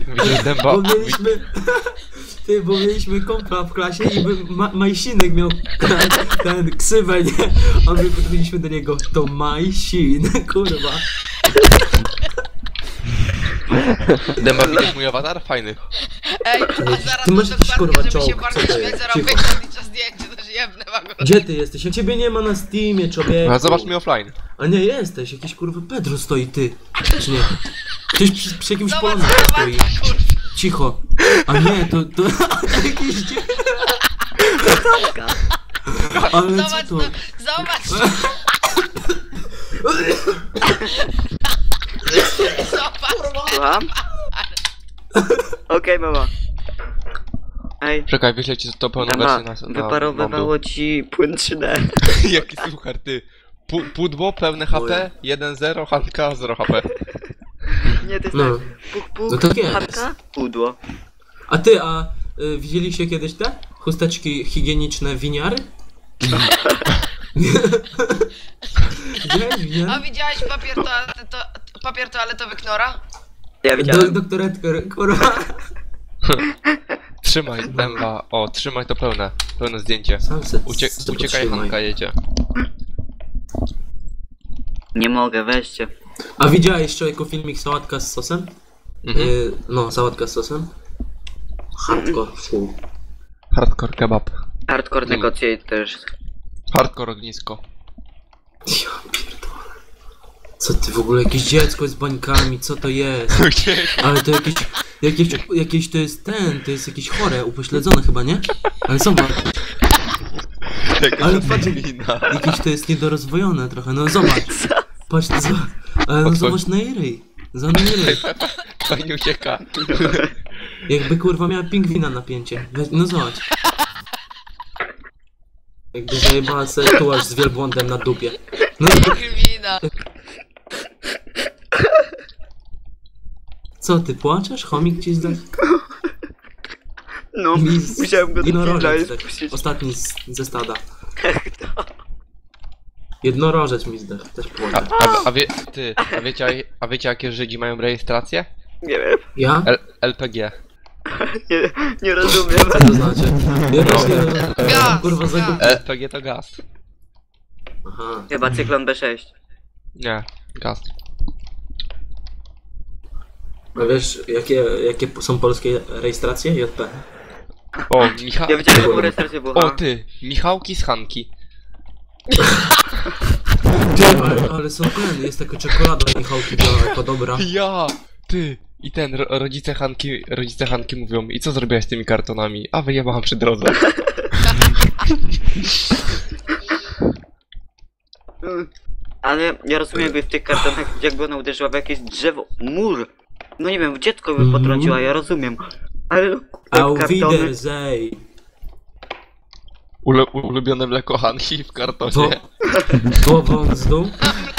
Widzisz dęba? Bo mieliśmy... Ty, bo mieliśmy kompla w klasie i Majsinek miał ten ksywę, nie? A my podbiliśmy do niego, to Majsin, kurwa. Dęba, widzisz mój awatar? Fajny. Ej, a zaraz Ty masz jakiś, kurwa, żeby się czołg, bardzo co to śmiać, jest? zaraz Cicho. wyjdzie zdjęcie, to jebnę wam go. Gdzie ty jesteś? Jak ciebie nie ma na Steamie, człowieku. A zobacz mi offline. A nie, jesteś, jakiś kurwa Pedro stoi, ty. Czy nie? Ktoś przy jakimś Zobacz, polonie stoi. kurwa. Cicho. A nie, to jakiś... Ale Zobacz, co to? zobacz. Zobacz. Słucham? Okej, mama. Ej, Czekaj, wyślę ci to pełną mama, wersję na wyparowywało ci płyn 3D. Jaki suchar, ty. Pudło, pełne HP, 1-0, Hanka, 0 HP. Nie, to jest No. tak. Puk, puk, No tak jest. chatka, pudło. A ty, widzieliście kiedyś te chusteczki higieniczne winiary? Widziałeś A winiary? widziałeś papier toaletowy Knora? Ja widziałem. Doktor Edgar, kurwa. Trzymaj, dęba. O, trzymaj to pełne. Pełne zdjęcie. Sam se Uciekaj, trzymaj. Hanka jedzie. Nie mogę, weźcie. A widziałeś, człowieku, filmik sałatka z sosem? No, sałatka z sosem. Hardcore, full. Hardcore kebab. Hardcore negocjate też. Hardcore ognisko. Ja pierdolę. Co ty w ogóle, jakieś dziecko z bańkami, co to jest? Ale to jakieś to jest to jest jakieś chore, upośledzone chyba, nie? Ale zobacz, ale patrz, jakieś to jest niedorozwojone trochę, no zobacz. Patrz, ale no zobacz na jej ryj. Za na jej ryj. Fajnie ucieka. Jakby kurwa miała pingwina napięcie. No zobacz. Jakby zajebała sobie tułaż z wielbłądem na dupie. No Wina. co, ty płaczesz? Chomik ci zdech? No, musiałem go do kibla Jednorożec, tak, spuścić. ostatni ze stada. Jednorożec mi zdech, też płacze. A wiecie jakie Żydzi mają rejestrację? Nie wiem, Ja? LPG. nie rozumiem. Co to znaczy? Ja też nie rozumiem. Gaz, Kurwa gaz. zagubię. LPG to gaz. Aha. Chyba cyklon B6. Nie, gaz. A wiesz, jakie są polskie rejestracje? JP. O, Michał. Ja widziałem jaką rejestrację było. O, ty, Michałki z Hanki. Ty, ale są jest taka czekolada Michałki biała, dobra. Ja, ty. I ten, rodzice Hanki mówią, i co zrobiłaś z tymi kartonami? A wyjebałam przy drodze. Ale ja rozumiem, jakby w tych kartonach, jakby ona uderzyła w jakieś drzewo, mur. No nie wiem, dziecko by potrąciła, ja rozumiem. Ale te Auf kartony... Wiedersehen. Ulubione mleko Hanki w kartonie. Głową z dół.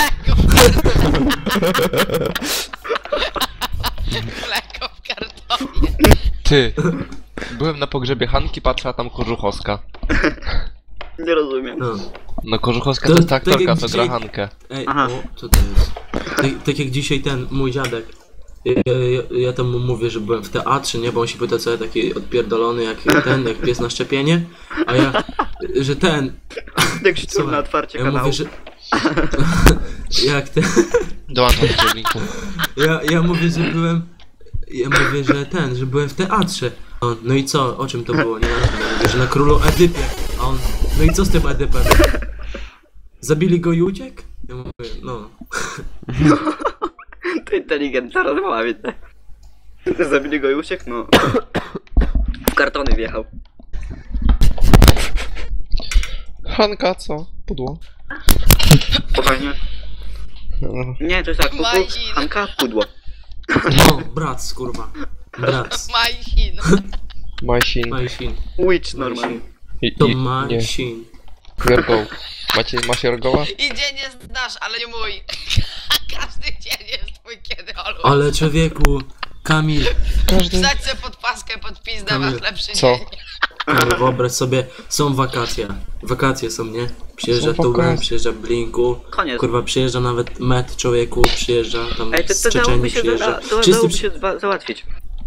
Mleko w kartonie. Ty, byłem na pogrzebie Hanki, patrzę, a tam Kożuchowska. Nie rozumiem. No. No Kożuchowska To to jest ta tak aktorka, jak co dzisiaj- gra Hankę. Ej, Aha. o, co to jest? Tak jak dzisiaj ten, mój dziadek. Ja tam mu mówię, że byłem w teatrze, nie? Bo on się pyta, co ja taki odpierdolony, jak pies na szczepienie. A ja, że ten... Jak szczur na Słuchaj, otwarcie ja kanału. mówię, że... jak ten... Dołączam do linku. Ja mówię, że byłem... Ja mówię, że byłem w teatrze. On, no i co? O czym to było, nie? Ja mówię, że na Królu Edypie. A on, no i co z tym Edypem? Zabili go i uciekł? Ja mówię, no... To inteligentna rozmowa, widzę. Zabili go i uciekł? No. W kartony wjechał. Hanka, co? Pudło. Spokojnie. Nie, to jest tak, Majsin. Hanka, pudło. No, brat, kurwa. Brat. Majsin. Majsin. Majsin. Witch normalnie. To Nie. Majsin. Jorgoł. Masz Jorgoła? I dzień jest nasz, ale nie mój. Każdy dzień jest twój, kiedy Olu. Ale człowieku, Kamil, Wsadź se pod paskę, pod pizdę, Kamil, masz lepszy co? dzień. Kamil, wyobraź sobie, są wakacje. Wakacje są, nie? Przyjeżdża Są Tuben, wakacje. przyjeżdża Blinku. Koniec. Kurwa, przyjeżdża nawet Met człowieku, przyjeżdża tam Ej, z to Czeczenii dałoby się, przyjeżdża. dałoby się załatwić.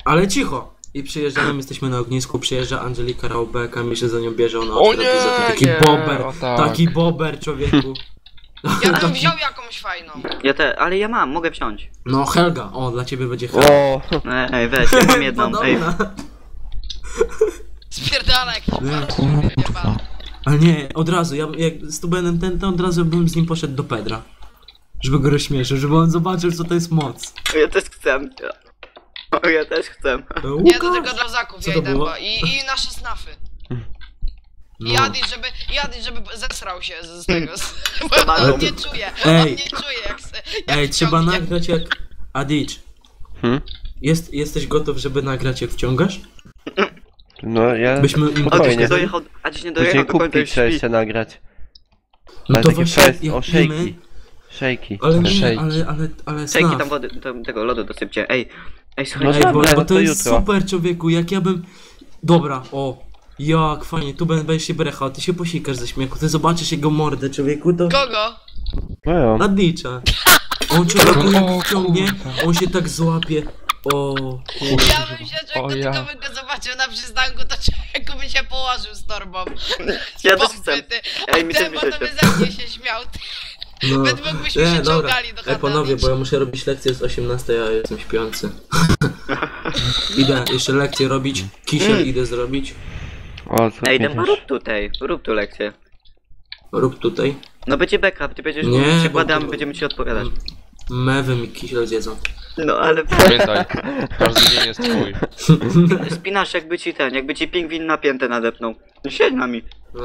Ale cicho! I przyjeżdżamy, jesteśmy na ognisku, przyjeżdża Angelika Raubeka, mi się za nią bierze, ona O otwiera nie, drzwi, taki nie, bober, o tak. taki bober, człowieku. Ja bym wziął jakąś fajną. Ale ja mam, mogę wziąć. No Helga, o, dla ciebie będzie Helga. O, Ej, weź, ja mam jedną, ej. Podobna. Spierdala jakiś Nie. pan. Ale nie, od razu, ja jak z Tubenem to od razu bym z nim poszedł do Pedra. Żeby go rozśmieszył, żeby on zobaczył, co to jest moc. Ja też chcę. Ja też chcę. Nie, to tylko dla zaków Co ja to idę, było? bo i nasze snafy. I No. Adi, żeby zesrał się z tego, bo Ale on to- nie czuje, Ej. on nie czuje jak se, jak Ej, trzeba wciągnie. nagrać jak... Adicz, jesteś gotów, żeby nagrać jak wciągasz? no ja... Byśmy im A dziś nie Spokojnie. dojechał, a dziś nie Później dojechał do końca kubki już trzeba śpi. jeszcze nagrać. No Ale to takie właśnie, fest, jak o pijemy, szejki. Szejki. ale nie, Szejki. ale Szejki snaf. tam wody, tego lodu dosypcie. Ej, No słuchajcie. Ej, bo dobra, to to jest jutro. super, człowieku, jak ja bym... Dobra, o, jak fajnie, tu będziesz się brechał, ty się posikasz ze śmiechu, ty zobaczysz jego mordę, człowieku, to... Kogo? No ja. Adicza. On człowieku jak wciągnie, on się tak złapie. O, kurde. Ja bym się O człowieku, ja. tylko bym go zobaczył na przystanku, to człowieku by się położył z torbą. Ja też chcę. Popyty. Ej, mi też Ten by się potem chciał. by ze mnie się śmiał. No. Według byśmy się czołgali do Ej, panowie, chaty. bo ja muszę robić lekcję z 18, a ja jestem śpiący. Idę jeszcze lekcję robić, kisiel idę zrobić. O, co Ej, ty Dęba, rób tu lekcję. Rób tutaj. No będzie backup, ty będziesz Nie, mówić przykłady, a my bo- będziemy ci odpowiadać. Mewy mi kisiel zjedzą. No ale Pamiętaj, każdy dzień jest twój. spinasz jakby ci pingwin napięte nadepnął. No siedź nami. No.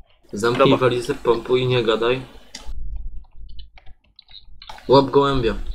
Zamknij Dobra. walizę, pompuj i nie gadaj. Łap gołębia.